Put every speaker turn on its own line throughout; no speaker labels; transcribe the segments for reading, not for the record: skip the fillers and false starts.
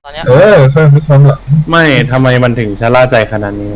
อนเนี้ย
ค่อยมีความหลัง
ไม่ทำไมมันถึงชะล่าใจขนาดนี้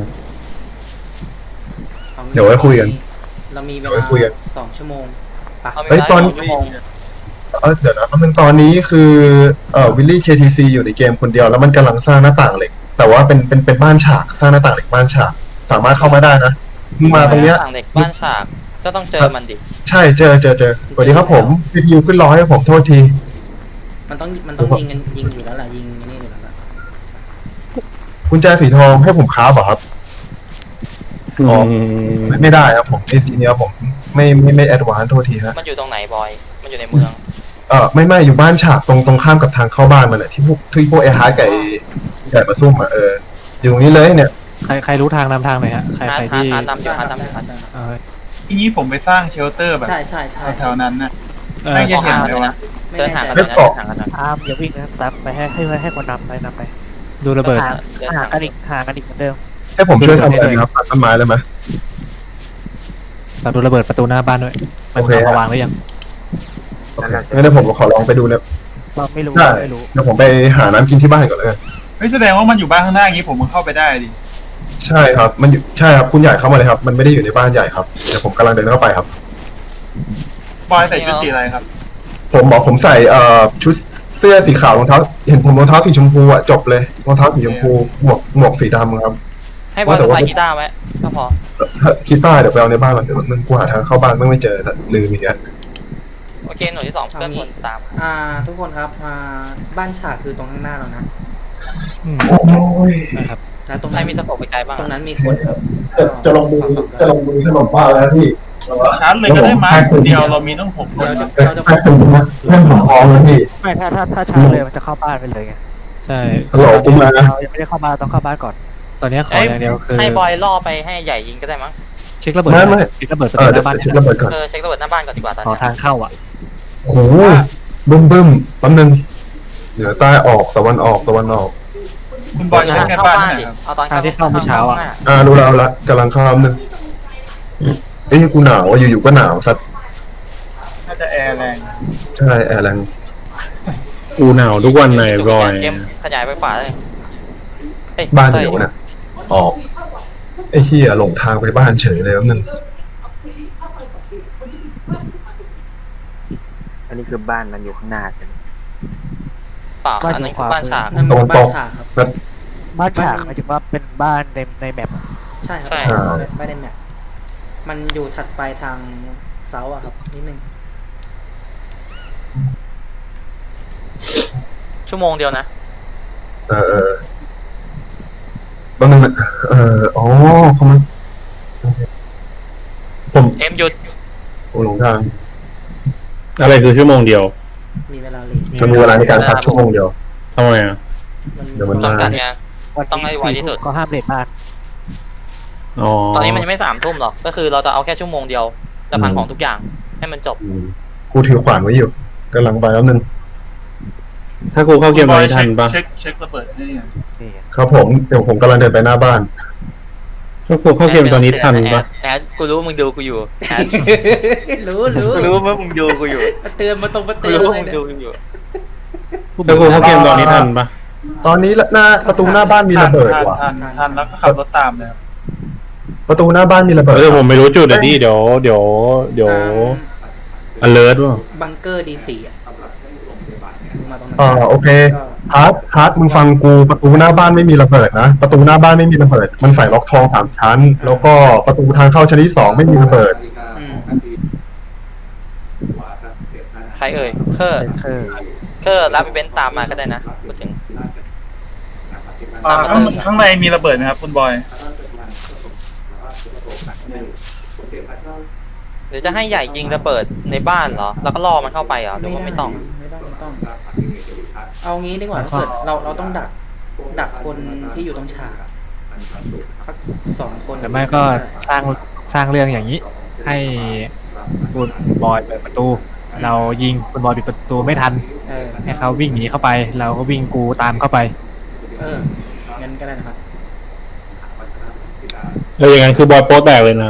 เดี๋ยวไว้คุยกัน
เรามีเว
เดี๋ยวไว้
ลา
คุยกัน
2 ชั่วโมงปะ
เรามี
เฮ้ย
เวลา
ตอน
2 ชั่วโมง
เดี๋ยวนะตอนนี้คือวิลลี่ KTC อยู่ในเกมคนเดียวแล้วมันกำลังสร้างหน้าต่างเหล็กแต่ว่าเป็นบ้านฉากสร้างหน้าต่างเหล็กบ้านฉากสามารถเข้ามาได้นะมึงมาตรงเนี้ย
ต่างเด็กบ้านฉากก็ต้องเจอมันดิ
ใช่เจอสวัสดีครับผมวิทยุขึ้นรอให้ผมโทษที
มันต้องยิงกันยิงอยู่แล้วแหละยิงอันนี่อยู่แล้วแหละ
กุญแจสีทองให้ผมค้าบเหรอครับ อ๋อ
ม
ไม่ได้ครับผมทีเนี้ยผมไม่แอดวานซ์โทษทีฮะ
มันอยู่ตรงไหนบอยมันอยู่ในเมือง
ไม่อยู่บ้านฉากตรงข้ามกับทางเข้าบ้านมันอะที่พวกไอ้ฮาร์ดกับไก่มาซุ่มอะอยู่ตรงนี้เลยเนี่ย
ใครรู้ทางนำทางหน่อยฮะใคร
ฮาร์ด
ที่
ฮาร์ดนำอยู่ฮาร์ดนำอยู่ฮาร์ด
เออ
ทีนี้ผมไปสร้างเชลเตอร์แบบ
ใช่
แถวๆนั้นนะ
เออ
ไม่
ก็
เห็น
ห่าง
เล
เลย ย
ว่า
นะเดินห่างกัน
เฮ้
เลย ยนะ
เกาะ
ห่างกันหน่อย
ตามอย่าวิ่งนะตามไปให้คนนำไปดูระเบิด
เดิน
ห่า
ห่าง ง
กันอีกห่างกันอีกเหมือนเดิม
ให้ผมช่วยทำอะไรนะครับตัดต้นไม้เลยไหม
ฝากดูระเบิดประตูหน้าบ้านด้วยมัน
โอเค
เอามาวางหรือยัง
โอเคงั้นเดี๋ยวผมขอลองไปดูเนี่ย
เราไม่รู้
ได้
ไม่รู้
เดี๋ยวผมไปหาน้ำกินที่บ้านก่อนเลย
เฮ้ยแสดงว่ามันอยู่บ้านข้างหน้าอย่างนี้ผมก็เข้าไปได้ดิ
ใช่ครับใช่ครับคุณใหญ่เข้ามาเลยครับ มันไม่ได้อยู่ในบ้านใหญ่ครับเดี๋ยวผมกำลังเดินเข้าไปครับ
บอยใส่ชุดสีอะไรครับ
ผมใส่ชุดเสื้อสีขาวรองเท้าเห็นผมรองเท้าสีชมพูอ่ะจบเลยรองเท้าสีชมพูหมวกสีดำครับ
ให้บอยสะพายกีตาร์ไว้ก็พอ
คิดว่าเดี๋ยวไปเอาในบ้านก่อนเดี๋ยวมันกูหาทางเข้าบ้านไม่เจอสัตว์ลืมอีกแล้ว
โอเคหน่วยที่2เพื่อนคนตาม
ทุกคนครับบ้านฉากคือตรงข้างหน้าเรานะ
อืม
โอ้ย
นะครับ
แล้วตรง
ใคร
นั้น
มีสะโพกไปไกลบ้าง
ตรงนั้นมีคนครับ
จะลงมือขนมบ้านแล้วพี่
ชาร์จเลยก็ได้มั้งคนเดียวเรามีต้อง6 คน
เราจะ
แป๊บนึงนะเพื่อนผมพร้อมแล้วพี่
ไม่ถ้าช้าเลยมันจะเข้าบ้านไปเลยไงใช่
ฮัลโหลกูมา
เรายังไม่ได้เข้าบ้านต้องเข้าบ้านก่อน ตอนนี้ขออย่างเดียวคือ
ให้บอยล่อไปให้ใหญ่ยิงก็ได้มั้ง
เช็คระเบิด
ไม่
เช็คระเบิดประ
เดี๋ยว
ตูหน้าบ้าน
เช็คระเบิดก่อน
เช็คระเบิดหน้าบ้านก่อนดีกว่าตอน
ขอ
นี้
ทางเข้าอ่ะ
โหบึ้มแป๊บนึงเหนือใต้ออกตะวันออก
คุณบอยใช้แค่
เข้า
บ้าน
บ้าน
ไหน
ดิ
ครับ
เอาตอน
ทางที่เข้าเมื่อเช้าอะ
รู้แล้วละกำลังเข้านึงเอ้ยกูหนาวอ่ะอยู่ๆก็หนาวสัตว์
น่าจะแอร์แรง
ใช่แอร์แรง
กูหนาวทุกวันเลยบอย
เกมขยายไปขวาเลย
บ้านเดียวนะออกไอ้เหี้ยหลงทางไปบ้านเฉยเลยแป๊บนึง
อันนี้คือบ้านมันอยู่ข้างหน้าใช่ไหม
เปล่าอันนั้นคือบ้านฉาก
นั่นเป็นบ้านฉากครับ
แบบ
บ้านฉากหมายถึงว่าเป็นบ้านในแมปอะ
ใช่ครับ
ใช่
ไม่ได้แมปมันอยู่ถัดไปทางเซาอะครับนิดนึง
ชั่วโมงเดียวนะ
แป๊บนึงนะอ๋อเขามาผม
เอ็มหยุด
หลงทาง
อะไรคือชั่วโมงเดียว
มีเวลาเลท
จะมีเวลาในการพักชั่วโมงเดียว
ทำไมอ่ะ
เดี๋ยวมัน
จำกัดไง
วัน
ต้องให้ไวที่สุด
ก็ห้ามเลทบ้าน
อ๋อ
ตอนนี้มันยังไม่3 ทุ่มหรอกก็คือเราจะเอาแค่ชั่วโมงเดียวจะพังของทุกอย่างให้มันจบ
กูถือขวานไว้อยู่กำลังไปแป๊บนึง
ถ้ากูเข้าเกมตอนนี้ทันปะ
เช็คระเบิดให้ยัง
นี่ไง
ครับผมเดี๋ยวผมกำลังเดินไปหน้าบ้าน
ถ้ากูเข้าเกมตอนนี้ทันปะ
แอดกูรู้ว่ามึงดูกูอยู่แอด
รู้
กูรู้ว่ามึงดูกูอยู่
เตือนมาตรงมา
กู
เตือน
รู้ว่า
เล
มึ
ย
ง
เนี่ย
ดูกูอยู่
ถ้ากูเข้าเกมตอนนี้ทันปะ
ตอนนี้หน้าประตูหน้าบ้านมีระเบิดว่ะ
ทันแล้วก็ขับรถตามเลยครับ
ประตูหน้าบ้านมีระเบิด
แต่ผมไม่รู้จุดอ่ะดิเดี๋ยวalert ว่ะ
บังเกอร์ดีสี่อะมาตรงนั้น
โอเคฮาร์ดมึงฟังกูประตูหน้าบ้านไม่มีระเบิดนะประตูหน้าบ้านไม่มีระเบิดมันใส่ล็อกทอง3 ชั้น แล้วก็ประตูทางเข้าชั้นที่ 2ไม่มีระเบิด
อืม
ใครเอ่ยเคอร์
คือ
รับอีเวนต์ตามมาก็ได้นะพูดถึง
ข้างในมีระเบิดนะครับคุณบอย
หรือจะให้ใหญ่ยิงระเบิดในบ้านเหรอแล้วก็ล่อมันเข้าไปเหรอหรือว่าไม่ต้อง
ไม่ต้องเอางี้ดีกว่าถ้าเกิดเราต้องดักคนที่อยู่ตรงฉากอะสัก2 คน
แต่ไม่ก็สร้างเรื่องอย่างนี้ ให้คุณบอยเปิดประตู เรายิงคุณบอยปิดประตูไม่ทัน ให้เขาวิ่งหนีเข้าไป เราก็วิ่งกูตามเข้าไป
งั้นก็ได้นะครับ
แล้วอย่างนั้นคือบอยโป๊แตกเลยนะ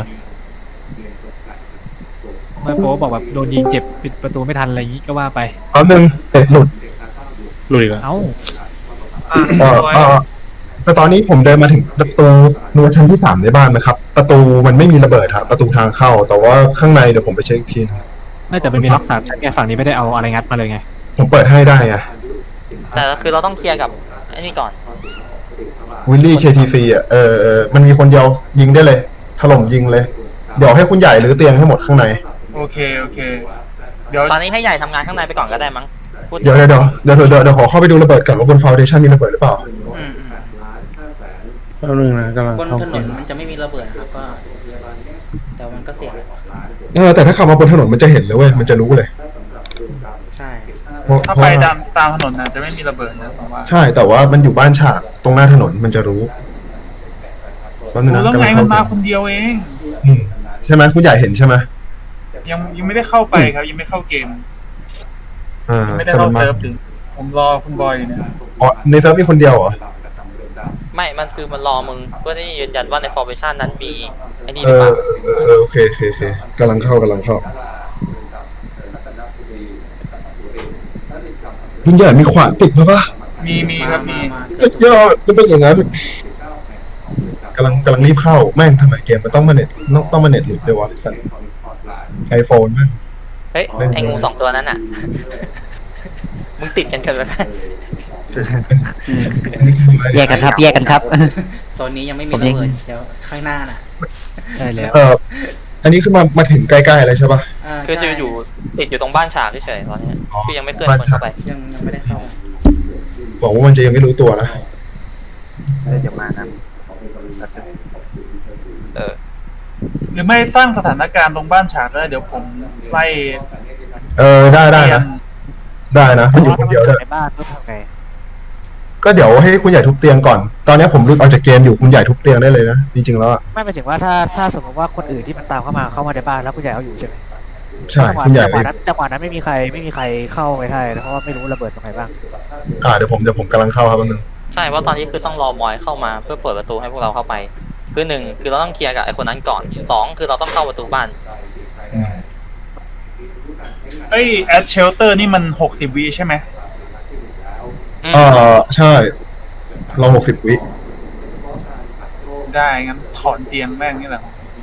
เมื่อโป๊บอกแบบโดนยิงเจ็บปิดประตูไม่ทันอะไรอย่างนี้ก็ว่าไป
เอาหนึ่งเด็ดหลุด
หลุดอีกแล้ว
เอ้า
เออเออแต่ตอนนี้ผมเดินมาถึงประตูรั้วชั้นที่3ในบ้านนะครับ ประตูมันไม่มีระเบิดครับประตูทางเข้า แต่ว่าข้างในเดี๋ยวผมไปเช็คอีกทีนะ
ไม่แต่มันมีล็อก3ชั้นไงฝั่งนี้ไม่ได้เอาอะไรงัดมาเลยไง
ผมเปิดให้ได้ไง
แต่คือเราต้องเคลียร์กับไอ้นี่ก่อน
วิลลี่ KTC อ่ะมันมีคนเดียวยิงได้เลยถล่มยิงเลย เดี๋ยวให้คุณใหญ่รื้อเตียงให้หมดข้างใน
โอเคเดี๋ยว
ตอนนี้ให้ใหญ่ทำงานข้างในไปก่อนก็ได้มั้งพูด
เดี๋ยวขอเข้าไปดูระเบิดก่อนว่าบนฟาวเดชั่นมีระเบิดหรือเปล่า
แป๊บนึงนะกำลัง
บน
เข้า
ถน
เก
น
ม
มันจะไม่มีระเบิดนะครับก็แต่มันก็เสี่ยง
แต่ถ้าขับมาบนถนนมันจะเห็นเลยเว้ยมันจะรู้เลย
ใช่
ถ้าไปตามถนนน่ะจะไม่มีระเบิดนะผมว่า
ใช่แต่ว่ามันอยู่บ้านฉากตรงหน้าถนนมันจะรู้แป๊บนึง
รู้
นะ
แล้ว
กำ
ไง
ลัง
มัน
เข้า
มาคนเดียวเอง
ใช่ไหมคุณใหญ่เห็นใช่ไหม
ยังไม่ได้เข้าไปครับยังไม่เข้าเกม ยังไม่ได้
แต่
เข้า
มันมา
เซิร์ฟถึงผมรอคุณบอยอยู่เนี่ย
อ๋อในเซิร์ฟมีคนเดียวเหรอ
ไม่มันคือมันรอมึงเพื่อที่จะยืนยันว่าใน formation นั้นมีไอ้นี่ห
เอ
รือเป
อ
ล่า
โอเคกำลังเข้าคุณใหญ่มีขวานติดมาปะ
มีครับมี
สุดยอดก็เป็นอย่างนั้นกำลังรีบเข้าแม่งทำไมเกมมันต้องมาเน็ตหลุดด้วยวะสัตว์ไอโฟนแม่ง
เฮ้ยไอ้งู2ตัวนั้นอ่ะ มึงติดกันไหม
แยกกันครับ
โซนนี้ยังไม่มีระเบิดเดี๋ยวข้างหน้าน่ะ
ใช่แล้ว
อันนี้คือมาถึงใกล้ๆเลยใช่ปะ
คือจะ
ใช่
อยู่ติดอยู่ตรงบ้านฉากเฉยๆตอนนี้
อ๋อ
คือยังไม่เคลื่อนคนเข้าไป
ยังไม่ได้เข้า
บอกว่ามันจะยังไม่รู้ตัวนะ
เดี๋ยวมานะ
เออ
หรือไม่สร้างสถานการณ์ตรงบ้านฉากแล้วเดี๋ยวผมไล่
ได้นะได้นะมันอยู่คนเดียวด้วย
ในบ้านก็ทำไง
ก็เดี๋ยวให้คุณใหญ่ทุบเตียงก่อน ตอนนี้ผมหลุดออกจากเกมอยู่คุณใหญ่ทุบเตียงได้เลยนะจริงๆแล้วอะ
ไม่หมายถึงว่าถ้าสมมติว่าคนอื่นที่มันตามเข้ามาในบ้านแล้วคุณใหญ่เอาอยู่ใช่ไหม
ใช่
จังหวะ
คุณใหญ่
จังหวะนั้นไม่มีใครเข้าไปได้เพราะว่าไม่รู้ระเบิดตรงไหนบ้าง
เดี๋ยวผมกำลังเข้าครับแป๊บนึง
ใช่เพราะตอนนี้คือต้องรอบอยเข้ามาเพื่อเปิดประตูให้พวกเราเข้าไปคือ1คือเราต้องเคลียร์กับไอ้คนนั้นก่อน2คือเราต้องเข้าประตูบ้าน
แอดเชลเตอร์นี่มัน60 วิใช่ไหม
ใช่เรา60 วิ
ได้งั้นถอนเตียงแม่งนี่แหละ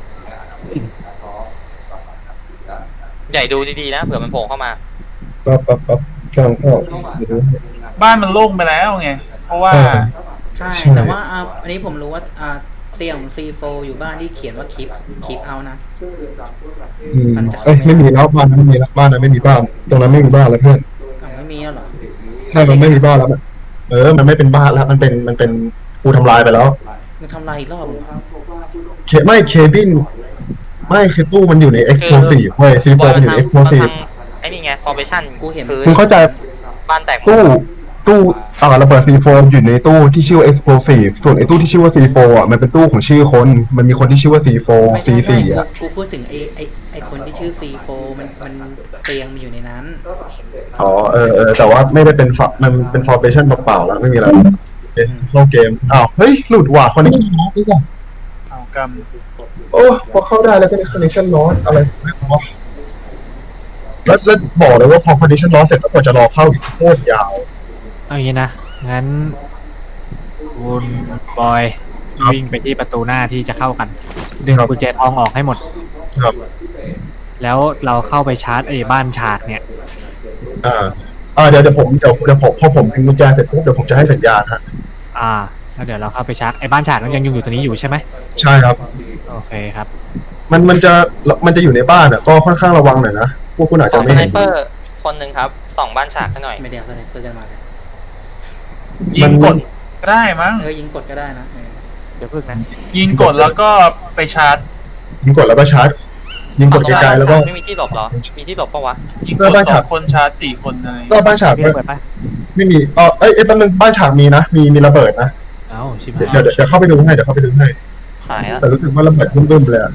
ใหญ่ดูดีๆนะเผื่อมันโผล่เข้ามา
ปั๊บกำลังเข้าเดี๋ยวดู
บ้านมันโล่งไปแล้วไงเพราะว่า
ใช่
ใช่
แต่ว่าอันนี้ผมรู้ว่าเตียงของ C4 อยู่บ้านที่เขียนว่าkeep out นะ มันจะ
ไม่มีแล้วบ้านนั้นไม่มีแล้วบ้านนั้นไม่มีบ้าน ตรงนั้นไม่มีบ้านแล้วเพื่อน
ไม่มีแล้วเหรอ
ใช่มันไม่มีบ้านแล้วมันไม่เป็นบ้านแล้วมันเป็นกูทำลายไปแล้ว
มึงทำลายอีกรอบเหรอ
เคบินไม่คือตู้มันอยู่ใน explosive เว้ย C4 มันอยู่ใน explosive
ไอ้นี่ไง formation
กูเห็น
คุณเข้าใจ
บ้านแตกหมด
ตู้ระเบิด C4 อยู่ในตู้ที่ชื่อว่า explosive ส่วนไอ้ตู้ที่ชื่อว่า C4 อ่ะมันเป็นตู้ของชื่อคนมันมีคนที่ชื่อว่า C4
ไม่ใช่
C4 อ่ะ
กูพูดถึงไอคนที่ชื่อ C4 มันเตียงมันอยู่ในนั้น
แต่ว่าไม่ได้เป็นมันเป็น formation เปล่าๆแล้วไม่มีอะไรเข้าเกมเฮ้ยหลุดว่ะ connection loss นี่ก่อน
เอากรรม
โอ้พอเข้าได้แล้วก็ได้ connection loss อะไรไม่รู้ว่าแล้วบอกเลยว่าพอ connection loss เสร็จแล้วกว่าจะรอเข้าอีกโคตรยาว
เอาอย่างนี้นะงั้นคุณบอยวิ่งไปที่ประตูหน้าที่จะเข้ากันดึงกุญแจทองออกให้หมด
ครับ
แล้วเราเข้าไปชาร์จไอ้บ้านฉากเนี่ย
เดี๋ยวผมพอผมดึงกุญแจเสร็จปุ๊บเดี๋ยวผมจะให้สัญญาณฮะ
แล้วเดี๋ยวเราเข้าไปชาร์จไอ้บ้านฉากนั้นยังอยู่ตัวนี้อยู่ใช่ไหม
ใช่ครับ
โอเคครับ
มันจะอยู่ในบ้านอ่ะก็ค่อนข้างระวังหน่อยนะพวกคุณอาจ
ส
จะ
องส
ไม่
ไน
เห็น
เปอร์คนหนึ่งครับส่องบ้านฉากให้หน่อย
ไม่ได้เอาสไนเปอร์กันมาเลย
ยิงกดก็ได้มั้ง
ยิงกดก็ได้นะ
เดี๋ยวพึ่งนะ
ยิงกดแล้วก็ไปชาร์จ
ยิงกดแล้วก็ชาร์จยิงกดไกลๆแล้วก็
ไม่มีที่หลบเหรอมีที่หลบปะวะ
ยิงกด2 คนชาร์จ4 คนอะไร
ก็บ้านฉาก
มีระเบิดปะ
ไม่มีแป๊บนึงบ้านฉากมีนะมีระเบิดนะ
เอ้าชิบ
เดี๋ยวเข้าไปดูให้
หายแล้ว
แต่รู้สึกว่าระเบิดบึ้มๆเลยอะ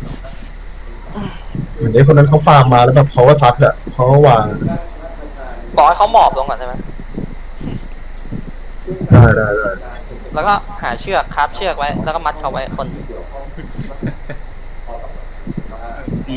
เหมือนไอ้คนนั้นเขาฟาร์มมาแล้วแบบเขาก็ซัดอะเขาก็วาง
บอกให้เขาหมอบลงก่อนใช่ไหม
ได้
แล้วก็หาเชือกคาบเชือกไว้แล้วก็มัดเขาไว้คน
ดี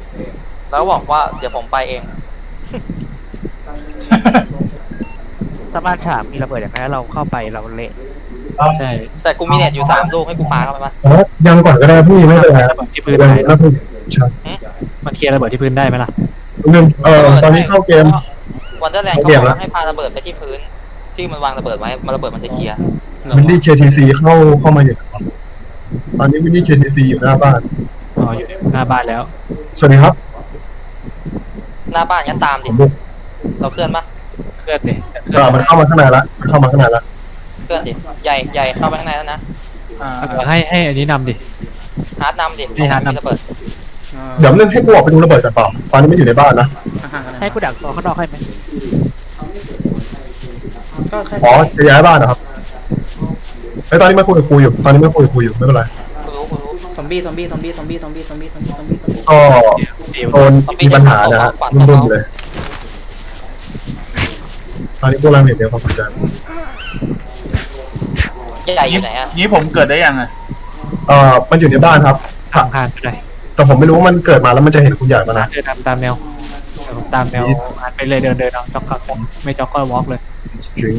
แล้วบอกว่าเดี๋ยวผมไปเอง
ต
ถ้าบ้านฉากมีระเบิดอย่างนั้นเราเข้าไปเราเละ
ใช่
แต่กูมีเน็ตอยู่3 ลูกให้กูปาเข้าไปปะ
อ๋อยังก่อนก็ได้พี่ไม่เป็นไร
ระเบิดที่พื้นได้
แล้วพี่ใช่
มันเคลียร์ระเบิดที่พื้นได้ไหมล่ะ
หนึ่งตอนนี้เข้าเกม
วันเดอร์แลนด์
เข้า
เขา
เก
บ
ม
อก
แล้ว
ว่าให้ปาระเบิดไปที่พื้น ที่มันวางระเบิดไว้มันระเบิดมันจะเคลียร์
วิลลี่ KTC เข้ามาอยู่ตอนนี้วิลลี่ KTC อยู่หน้าบ้าน
อ๋ออยู่หน้าบ้านแล้ว
สวัสดีครับ
หน้าบ้านงั้นตามดิ
ผมบุก
เราเคลื่อนปะ
เคลื่อนดิเคลื่อน
มันเข้ามาข้างในละมันเข้ามาข้างในละ
เคลื่อนดิใหญ่เข้าไปข้างในแล้วนะ
ให้อันนี้นำดิ
ฮาร์ดนำดิ
ให้ฮาร์ดนำ
มีระเบิด
เดี๋ยวนึงให้กูออกไปดูระเบิดกันเปล่าตอนนี้ไม่อยู่ในบ้านนะ
ให้กูดักตัวข้างนอกให้ไหม
ก็แค่
อ๋อจะย้ายบ้านนะครับไอ้ยตอนนี้ไม่คุยกับกูอยู่ตอนนี้ไม่คุยกับกูอยู่ไม่เป็นไร
กูรู้
ซอมบี้
ก็
เดี๋ยว
โดนมีปัญหานะฮะรุ่มๆเลยตอนนี้พวกเราเนี่ยเดี๋ยวความสนใจ
ใหญ่อยู่ไหนอะ
นี้ผมเกิดได้ยังอ่ะ
มันอยู่ในบ้านครับ
ข้างๆก็ได้
แต่ผมไม่รู้ว่ามันเกิดมาแล้วมันจะเห็นคุณใหญ่มานะ
เดินตามแนวเดี๋ยวผมตามแนวหันไปเลยเดินเอาจ็อกเข้าผมไม่จ็อกก็วอล์กเลย
string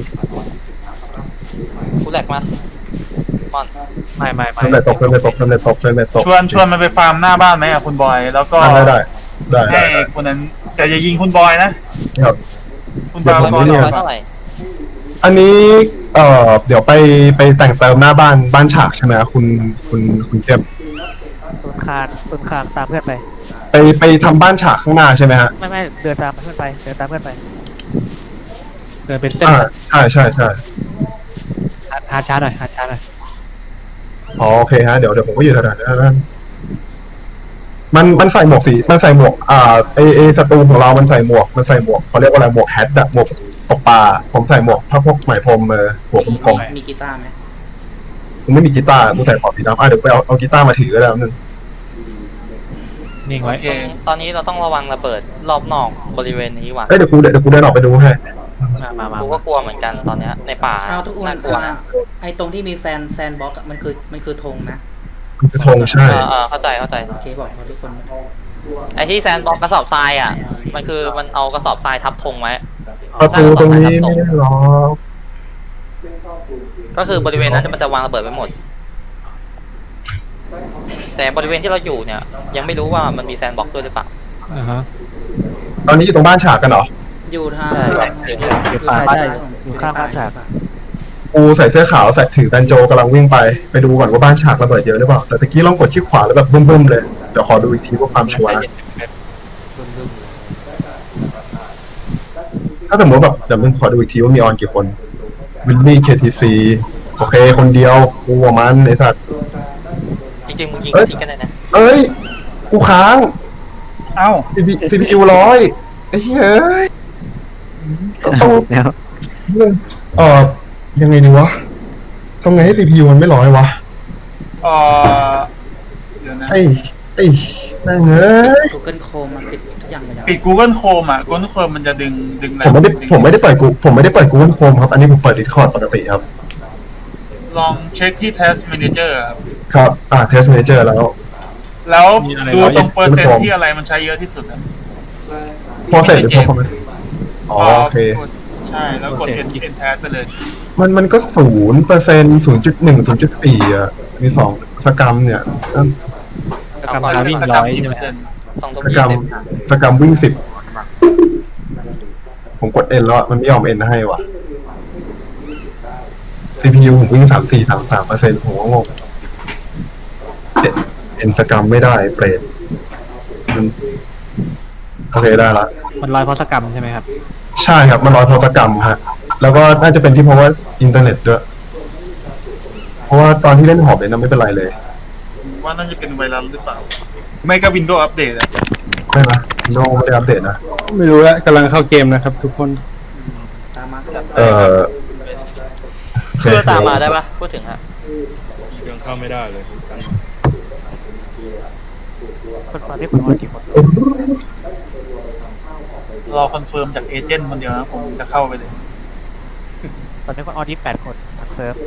กูแหลกมาบอล
ไม่
เฟรมเรทตกเฟรมเรทตกเฟรมเรทตกเฟรมเรทตก
ชวนมันไปฟาร์มหน้าบ้านไหมอ่ะคุณบอย แล้วก็
ได้
ให้คนนั้นแต่อย่ายิงคุณบอยนะ
ครับ
คุณบอย
เดี๋ยวผม
ก็
นี่
ร้อยเท่าไหร่
อันนี้เดี๋ยวไปแต่งเติมหน้าบ้านฉากใช่ไหมคุณเข้ม
ตุนคานตามเพื่อนไป
ไปทำบ้านฉากข้างหน้าใช่ไหมฮะ
ไม่เดินตามเพื่อนไปเดินตามเพื่อนไป
เดินเป็นเส้น
ใช่
หาช้าหน่อยหาช้าหน่อย
อ๋อโอเคฮะเดี๋ยวผมก็อยู่แถวนั้นมันใส่หมวกมันใส่หมวกไอศัตรูของเรามันใส่หมวกเขาเรียกว่าอะไรหมวกแฮทอะหมวกตกปลาผมใส่หมวกพวกไหมพรมหัวกลม
มีกีตาร์ไหม
ๆกูไม่มีกีตาร์กูใส่ขอบสีดำเดี๋ยวไปเอากีตาร์มาถือก็ได้นึง
นิ่งไว้
โอเค
ตอนนี้เราต้องระวังระเบิดรอบนอกบริเวณนี้ว่ะ
เดี๋ยวกูเดินออกไปดูให้
มา
กูก็กลัวเหมือนกันตอนเนี้ยในป่า
เอาทุกคน
น่ากลัวนะ
ไอ้ตรงที่มีแซนบ็อกซ์มันคือธงนะ
มันคือธงใช่
เข้าใจ
โอเคบอกทุกคน
ไอ้ที่แซนบอกกระสอบทรายอ่ะมันคือมันเอากระสอบทรายทับธงไว้
ประตูตรงนี้ไม่ได้ล็อก
ก็คือบริเวณนั้นมันจะวางระเบิดไว้หมด แต่บริเวณที่เราอยู่เนี่ยยังไม่รู้ว่ามันมีแซนบ็อกซ์ด้วยหรือเปล่า
ตอนนี้อยู่ตรงบ้านฉากกันเหรอ
อยู่ทาง
อยู่ป่า
ใช่อยู่ข้างบ้านฉาก
กูใส่เสื้อขาวใส่ถือแบนโจกำลังวิ่งไปดูก่อนว่าบ้านฉากระเบิดเยอะหรือเปล่าแต่ตะกี้ลองกดที่ขวาแล้วแบบบึ้มๆเลยเดี๋ยวขอดูอีกทีเพื่อความชัวร์นะถ้าสมมติแบบเดี๋ยวมึงขอดูอีกทีว่ามีออนกี่คนวิลลี่ KTC โอเคคนเดียวกูกับมันไอสัตว์
จริงๆมึงยิงทิ้งกันเลยนะ
เอ้ยกูค้าง
เอ้า
CPU 100ไอ้เฮ้ยต้อง
แล้ว
ยังไงดีวะทำไงให้ CPU มันไม่ร้อยวะ
เดี๋ยวนะ
ไอ้แม่งเอ้ย
Google Chrome มันปิดทุกอย่างไปแล้ว
ปิด Google Chrome อ่ะ Google Chrome มันจะดึง
ผมไม่ได้เปิด Google Chrome ครับ อันนี้ผมเปิด Discord ปกติครับ
ลองเช็คที่ Test Manager ครับ
ครับ Test Manager แล้ว
ดูตรงเปอร์เซ็นต์ที่อะไรมันใช้เยอะที่สุดอะ
พอเสร็จหรือพอไหมอ๋อโอเค
ใช่แล้วกด Enter ไปเลย
มันก็0% 0.1 0.4อ่ะมี2สกรัมเนี่ย
กำลังวิ่ง
สก
ร้
รัม
อย
กี่
ใช่
เป
ไหม
อร์เซ็นต์
สกรัมวิ่ง10ผมกด N แล้วมันไม่ยอม N ให้ว่ะ CPU ผมวิ่ง34-33%ผมก็งงN สกรัมไม่ได้เปรตโอเคได้ละ
มันร้อยพอสกรรมใช่ไหมครับ
ใช่ครับมันร้อยพอสกรรมฮะแล้วก็น่าจะเป็นที่เพราะว่าอินเทอร์เน็ตด้วยเพราะว่าตอนที่เล่นหอบเนี่ยนะไม่เป็นไรเลย
ว่าน่าจะเป็นไวรัสหรือเปล่า ไม่ก็ Windows Update อะ
ไม่นะโน้ไม่ได้อัปเดตนะ
ไม่รู้แล้วกำลังเข้าเกมนะครับ ทุกคน
ตามมา
เพื่อตามมาได้ปะพูดถึงฮะ
ยังเข้าไม่ได้เลย
คนตอนนี้คุณคนกี่คน
รอคอนเฟิร์มจากเอเจนต์คนเดียวนะผมจะเข้าไปเลย
ตอนนี้คนออน28 คนทางเซิร์ฟ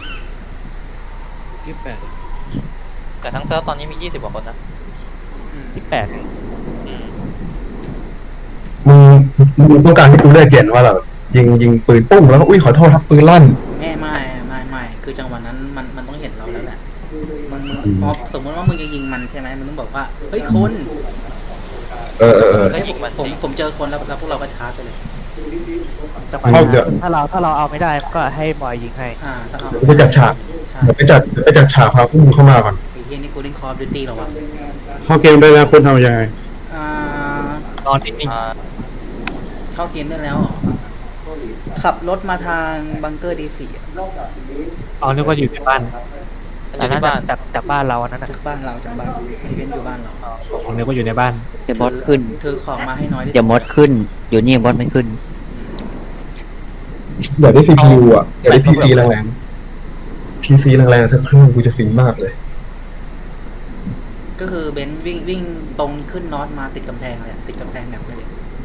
แต่ทั้งเซิร์ฟตอนนี้มี20 กว่าคนนะ
28
อืม
มึงต้องการให้กูเลือกเกณฑ์ว่าแบบยิงปืนปุ้งแล้วก็อุ้ยขอโทษครับปืนลั่น
ไม่คือจังหวะนั้นมันต้องเห็นเราแล้วแหละมึงพอสมมติว่ามึงจะยิงมันใช่ไหมมึงต้องบอกว่าเฮ้ยคน
เออ
ก็ยิงมัน
ผมเจอคนแล้วพวกเราก็ชาร์จไปเลย
จังหวะ
เข้า
นั้น
เดี๋ยว
ถ้าเราเอาไม่ได้ก็ให้บอยยิงให้
ถ้าเอา
ไปจัดฉาก
ใช่
เดี๋ยวไปจัดฉากพาพวกมึงเข้ามาก่อน
ไอ้เฮียนี่กูเล่นคอร์ดิวตี้หรอวะ
เข้าเกมได้แล้วคุณทำยังไง
อ่าน
อนนิ่ง
เข้าเกมได้แล้วเหรอขับรถมาทางบังเกอร์ดีสี่
ๆเอานึกว่าอยู่ในบ้าน
มันอ
อั
ยู่
นนั้น
ที่บ้าน
จากบ้านเราอันนั้นน่ะ
จากบ้านอีเวนต์อยู่บ้านเรา
ผมนึกว่าอยู่ในบ้าน
เดี๋ยวมดขึ้น
ถือของมาให้น้อยที่สุ
เดี๋ยวมดขึ้น อยู่นี่มดไม่ขึ้น
เดี๋ยวได้ CPU อ่ะเดี๋ยวได้ PC แรงๆ PC แรงๆสักเครื่องกูจะฟินมากเลย
ก็คือเบนซ์วิ่งตรงขึ้นนอตมาติดกำแพงเลยติดกำแพงแบบไปเลย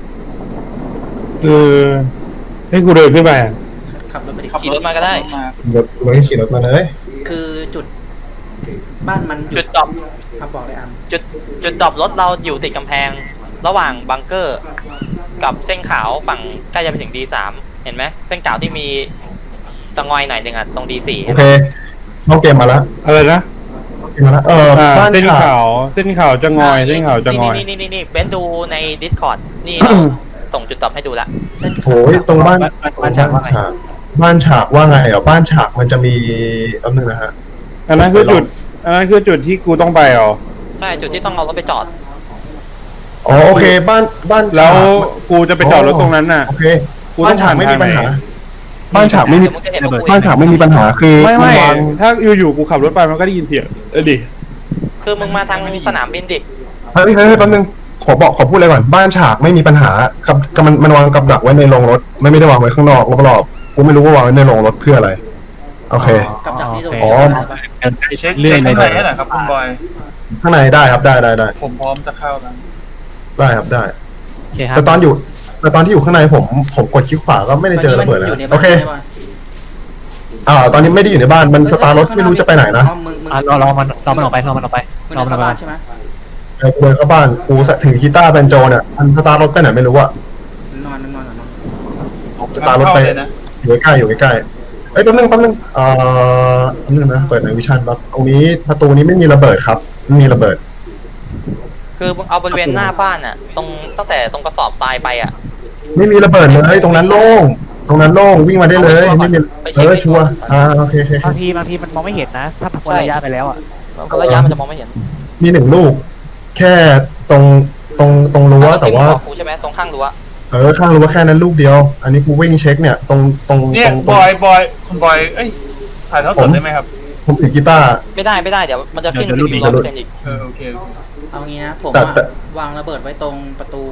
ให้กูเดินขึ้นไปอะ
ขับรถไปดิ
ขี่รถมาก็ได้
รถขี่รถมาเลย
คือจุดบ้านมันอยู่
จุดดรอป
ครับบอกเลยอัน
จุดดรอปรถเราอยู่ติดกำแพง ระหว่างบังเกอร์ กับเส้นขาวฝั่งใกล้จะไปถึง D3 เห็นไหมเส้นขาวที่มีจะงอยหน่อยหนึ่งอ่ะตรง D4
โอเคเข้าเกมมาแล้ว
อะไรนะ
เกมมาแล้วบ้าน
เส้น
ฉาก
ขาวเส้นขาวจะงอยเส้นขาวจะงอย
นี่เบนดูใน Discord นี่เราส่งจุดดรอปให้ดูละ
เส้น
โอ้ยตรงบ้าน
บ้านฉากว่าไง
บ้านฉากว่าไงอ่ะบ้านฉากมันจะมีอันนึงนะฮะ
อันนั้นคือจุดที่กูต้องไปเหรอ
ใช่จุดที่ต้องเอารถไปจอด
อ๋อโอเคบ้านฉาก
แล้วกูจะไปจอดรถตรงนั้นน่ะ
โอเค
กูต้
บ้า
อน ง
ฉากไม่มีปัญหา บ้านฉากไม่มี
เดี๋ยวมึงจะเห็นว่ากู
บ้านฉากไม่มีปัญหาคือ
ไม่
นวาง
ถ้าอยู่ๆกูขับรถไปมันก็ได้ยินเสียงดิ
คือมึงมาทางสนามบินดิ
เฮ้ยแป๊บนึงขอพูดเลยก่อนบ้านฉากไม่มีปัญหาครับมันวางกับดักไว้ในโรงรถไม่ได้วางไว้ข้างนอกรอบๆกูไม่รู้ว่าวางไว้ในโรงรถเพื่ออะไรโอเค
กับดักที่โดน
อ๋อ
อะไรปะ
เดินไป
เช็ค
เรื่อย
ข้าง
เล
ใน
ย
ให้หน่อยครับคุณบอย
ข้างในได้ครับได้
ผมพร้อมจะเข้าแล้ว
ได้ครับได้
โอเคครับ
แต่ตอนที่อยู่ข้างในผมกดคลิกขวาก็ไม่ได้เจอระเบิดแล้ว
อยู่ในบ้า
โอน เค
ใช่ปะ
ตอนนี้ไม่ได้อยู่ในบ้านมันสตาร์ทรถไม่รู้จะไปไหนนะ
อ๋อมึง
รอมันออกไปรอมันออกไป
มึง
รอ
เดิ
มัน
น
ออกไป
เข้าบ้านใช่ไหม
เดินเข้าบ้านกูถือกีตาร์แบนโจเนี่ยมันสตาร์ทรถไปไหนไม่รู้อะ
นอน
สตาร์ทรถไป
เลยนะ
อยู่ใกล้เอ้ยแป๊บนึงแป๊บนึงนะเปิดในวิชั่นครับตรงนี้ประตูนี้ไม่มีระเบิดครับไม่มีระเบิด
คือมึงเอาบริเวณหน้าบ้านอ่ะตรงตั้งแต่ตรงกระสอบทรายไปอ่ะ
ไม่มีระเบิดเลยตรงนั้นโล่งวิ่งมาได้เลยไม่มีชัวร์โอเค
บางทีมันมองไม่เห็นนะ ถ้าพ้นระยะไปแล้วอ่ะ
เพราะระยะมันจะมองไม่เห็น
มี1 ลูก แค่ตรงรั้วแต่ว่า
กูใช่ไหมตรงข้างรั้ว
ข้างรั้วแค่นั้นลูกเดียว อันนี้กูวิ่งเช็คเนี่ยตรง
เนี่ยบอยคุณบอยเอ้ยถ่ายเท่าสดได้ไหมครับ
ผมถือกีตาร์
ไม่ได้เดี๋ยวมันจะขึ้น
เดี๋ยว
สิบ
รูป
100%อีก
โอเค
เอางี้นะผม
แต่
วางระเบิดไว้ตรงประตู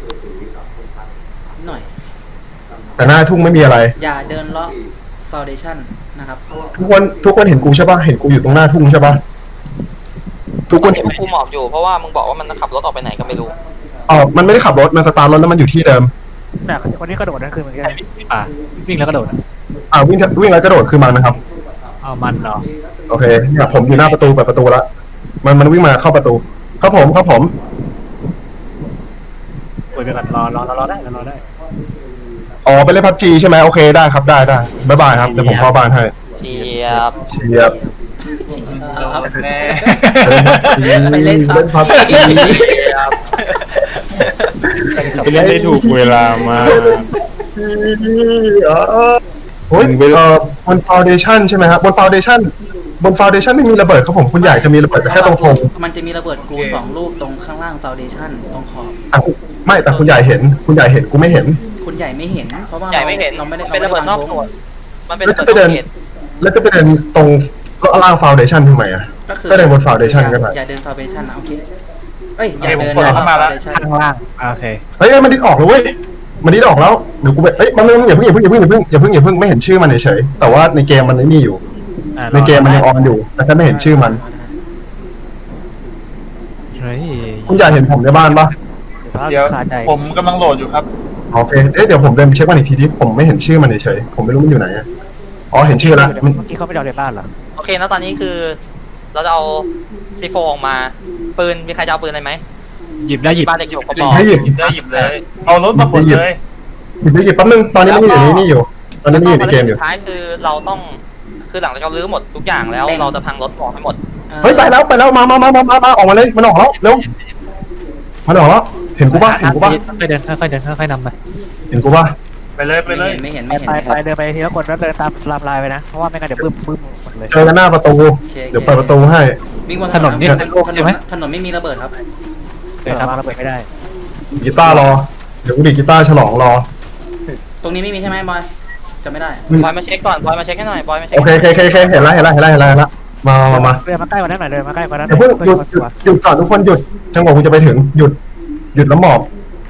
หน่อย
แต่หน้าทุ่งไม่มีอะไร
อย่าเดินเลาะฟาวเดชั่นนะครับ
ทุกคนเห็นกูใช่ปะเห็นกูอยู่ตรงหน้าทุ่งใช่ปะทุกคน
เห็นพวกกูหมอบอยู่เพราะว่ามึงบอกว่ามันขับรถออกไปไหนก็ไม่รู้
มันไม่ได้ขับรถมันสตาร์ทรถแล้วมันอยู่ที่เดิม
น่ะคนที่กระโดดนั่นคือเหมือนกัน
วิ่งแล้วกระโดด
วิ่งแล้วกระโดดคือมันนะครับ
เอามันเหรอ
โอเคเนี่ยผมอยู่หน้าประตูเปิดประตูแล้วมันวิ่งมาเข้าประตูครับผม
คุยไปก่อนรอได้รอได้
อ๋อไปเล่นพับจีใช่ไหมโอเคได้ครับได้บ๊ายบายครับเดี๋ยวผมเข้าบ้านให้
เชียบ
เชียบ
แน่
ไปเล่น
พับจี
ไปเล่นได้ถูกเวลามา
โอ้ยบนฟาวเดชั่นใช่ไหมครับบนฟาวเดชั่นไม่มีระเบิดครับผมคุณใหญ่จะมีระเบิดแต่แค่ตรงธง
มันจะมีระเบิดกู2 ลูกตรงข้างล่างฟาวเดชั่นตรงขอบ
ไม่แต่คุณใหญ่เห็นกูไม่เห็น
คุณใหญ่ไม่เห็นเพราะว่า
ใหญ่ไม่เห็น
เราไม่ได้
เป็นระเบิดนอก
วาง
หน่วยมันเป็น
แล้ว
ระ
จะ
เบิด
ไป
น
เดิ
อน กเหตุ
แล้วจะไปเดินตรงก็ล่างฟาวเดชั่นทำไมอ่ะ ก็เดินบน foundation ก็ได้
อย่าเดินฟาวเดชั่นนะโอเคเอ้ยอย่าเดิน
ผมกดเข้ามาแล้ว
foundation
ข้างล่างโอเค
เฮ้ยมันดิดออกแล้วเว้ยมันดิดออกแล้วเดี๋ยวกูไปมันอย่าเพิ่งไม่เห็นชื่อมันเฉยๆแต่ว่าในเกมมันนี่อยู่ ในเกมมันยังออนอยู่ แต่แค่ไม่เห็นชื่อมัน
เฮ้ย
คุณอยากเห็นผมในบ้านปะ
เดี๋ยว
ขาดใจ
ผมกำลังโหลดอยู่ครับ
โอเคเดี๋ยวผมเดินไปเช็คมันอีกทีที่ผมไม่เห็นชื่อมันเฉยๆผมไม่รู้มันอยู่ไหนอะอ๋อเห็นชื่อแล้วมัน
เมื่อกี้เขาไม่ได้เอาในบ้านเหรอ
โอเคแล้วตอนนี้คือ เราจะเอาซีโฟออกมาปืนมีใครจะเอาปืนอะไรไหม
หยิบได้หยิบ
บ้านเด็กอยู่กระ
หยิ
บบ อก
ให้หยิบ
หยิบเลย เอารถมาขนเลย
หยิบไปหยิบแป๊บนึงตอนนี้มันอยู่ในนี่อยู่ ตอนนี้มันอยู่ในเกมอยู่
สุดท้ายคือเราต้องคือหลังจากเราลื้อหมดทุกอย่างแล้วเราจะพังรถออกให้หมด
เฮ้ยไปแล้วมาออกมาเลยมันออกแล้วเร็วมันออกแล้วเห็นกูป่ะ
ค่อยเดินค่อยเดินค่อยๆนำไป
เห็นกูป่ะ
ไปเลยไปเลย
ไม่เห็น
ไปเดินไปทีละคนแล้วเดินตามลามลายไปนะ เพราะว่าไม่งั้นเดี๋ยวบึ้มหมดเลย
เจอกันหน้าประตู เดี๋ยวเปิดประตูให้
วิ่งบน
ถนนเนี่ยเป็นโลกใช่ไหม
ถนนไม่มีระเบิดครับ
เดินตามมา
ระเบิดไม่ได้
กีตาร์รอเดี๋ยวกูดีดกีตาร์ฉลองรอ
ตรงนี้ไม่มีใช่ไหมบอยจำไม่ได้
บอยมาเช็คก่อนบอยมาเช็คให้หน่อยบอยมาเช็ค
โอเคเห็นแล้วมา
เดินมาใกล้กว่านั้นหน่อยเดินมาใกล้กว่านั้น
เดี๋ยวเพิ่งหยุดก่อนทุกคนหยุดจังหวะกูจะไปถึงหยุดแล้วหมอบ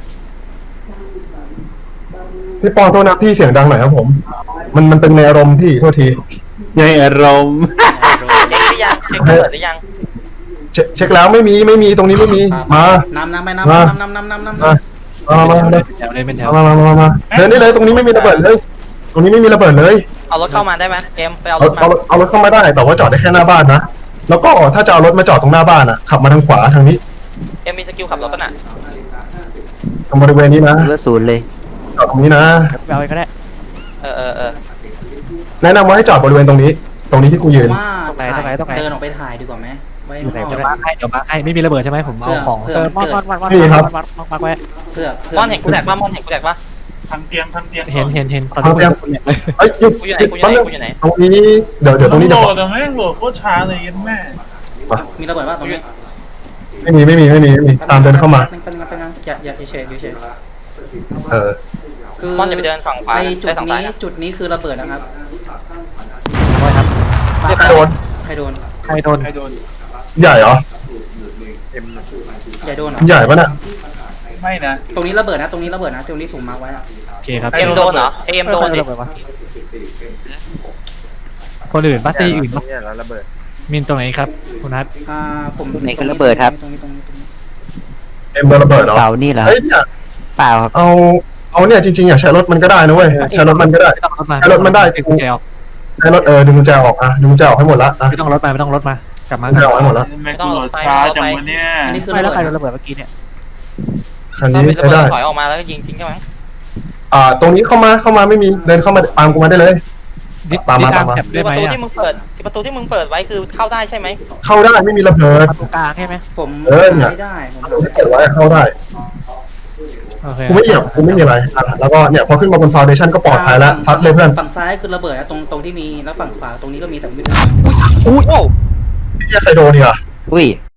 พี่ปอโทษนะพี่เสียงดังหน่อยครับผม มันเป็นในอารมณ์พี่โทษที
ในอารมณ์
เช็คหรือยังเช็คเปิดหรือยัง
เช็คแล้วไม่มีตรงนี้ไม่มีมา
น้ำไป
มา
น้ำ
มาเลย
แถวเลยเป็นแถว
มาเดินได้เลยตรงนี้ไม่มีระเบิดเลย ตรงนี้ไม่มีระเบิดเลย
เอารถเข้ามาได้ไหมเกมไปเอารถมา
เอารถเข้ามาได้แต่ว่าจอดได้แค่หน้าบ้านนะแล้วก็ถ้าจะเอารถมาจอดตรงหน้าบ้านอ่ะขับมาทางขวาทางนี้
เกมมีสกิลขับรถป่ะน่ะ
ตรงบริเวณนี้นะ
เหลือศูนย์เลย
จอดตรงนี้นะ
เอาไปก็ได้
เออ
แนะนำว่าให้จอดบริเวณตรงนี้ที่กูยืน
ว่าเดินออกไปถ่ายดีกว่าไหมไว้
อยู่ไหน
เดี๋ยวมาให้ไม่มีระเบิดใช่ไหมผมเอาของ
มอนมาไว้
เพื่อ
มอนเห็นกูแตกป่ะมอนเห็นกูแตกป่ะ
ทำเตียง
เห็นตอนนี้คุณเลย
เอ้ยหยุด
กูอยู่ไหนกูอยู่
แป๊บ
ไหน
นึง
กูอยู่ไหน
ตรงนี้เดี๋ยวตรงนี้
โหล
เดี๋ยว
ดแต่แม่งโหลดโคตรช้าเลยยันแม่
มีระเบิดว่าตรงนี้
ไม่มีตามเดินเข้ามา
เป็นอย่าเฉยคือ
มอนจะไปเดินฝั่งขวา
ไอ
ได้ฝั่งซ้าย
จุดนี้คือระเบิดนะครับ
ไว้ครับ
ใครโดน
ใครโดน
ใครโดน
ใครโดน
ใหญ่เหรอ
อย่าโดนเหรอ
ใหญ่ปะเนี่ย
ไม่นะ
ตรงนี้ระเบิดนะตรงนี้ผมมาร์คไว้
โอเคครับ
เอ็มโดนเหรอเอ็มโดนดิ
คนอื่นบ้าตีอื่นบ้ามินตรงไหนครับคุณนัท
ผม
ไหนก็ระเบิดครับ
ตรงนี้
เอ็มโดนระเบิดเหรอ
เสานี่เหรอ
เฮ้ยเนี่ย
เปล่าครับ
เอาเนี่ยจริงๆอยากใช้รถมันก็ได้นะเว้ยใช้รถมันก็ได้
ไม่ต้องรถมา
ให้รถมันได้
ดึงกุญแจออก
ใช้รถดึงกุญแจออกดึงกุญแจออกให้หมดละอ่ะ
ไม่ต้องรถมากลับมา
กุญแจออกให้หมดละ
แม่งโหลดช้าจังวะเนี่ย
อันนี้คือ
ไม่
ระ
แล้ว
เบิ
ใคร
ด
โดนระเบิดเมื่อกี้เนี่ย
คัน
เรา
นี้
ไประ
ใช้
เบิด
ได้
ถอยออกมาแล้วก็ยิงทิ้งใช่ไหม
ตรงนี้เข้ามาไม่มีเดินเข้ามาตามกูมาได้เลย ตามมา
แถบ
คื
ได้
อ
ไห
ป
ม
ระตู
อ่ะ
ที่มึงเปิดประตูที่มึงเปิดไว้คือเข้าได้ใช่ไหม
เข้าได้ไม่มีระเบิด
ประตูกลางใช่ไหม
ผม
เนี่ย
ไม่ได้ผม
ตรงที่เก็บไว้เข้าได้
โอเค
กูไม่เหยียบกูไม่มีอะไรแล้วก็เนี่ยพอขึ้นมาบนฟาวเดชั่นก็ปลอดภัยแล้วซัดเลยเพื่อน
ฝั่งซ้ายคือระเบิดนะตรงที่มีแล้วฝั่งขวาตรงนี้ก็มีแต่ไม่
โอ้
ที่ใครโดนเนี่ย
อุ้ย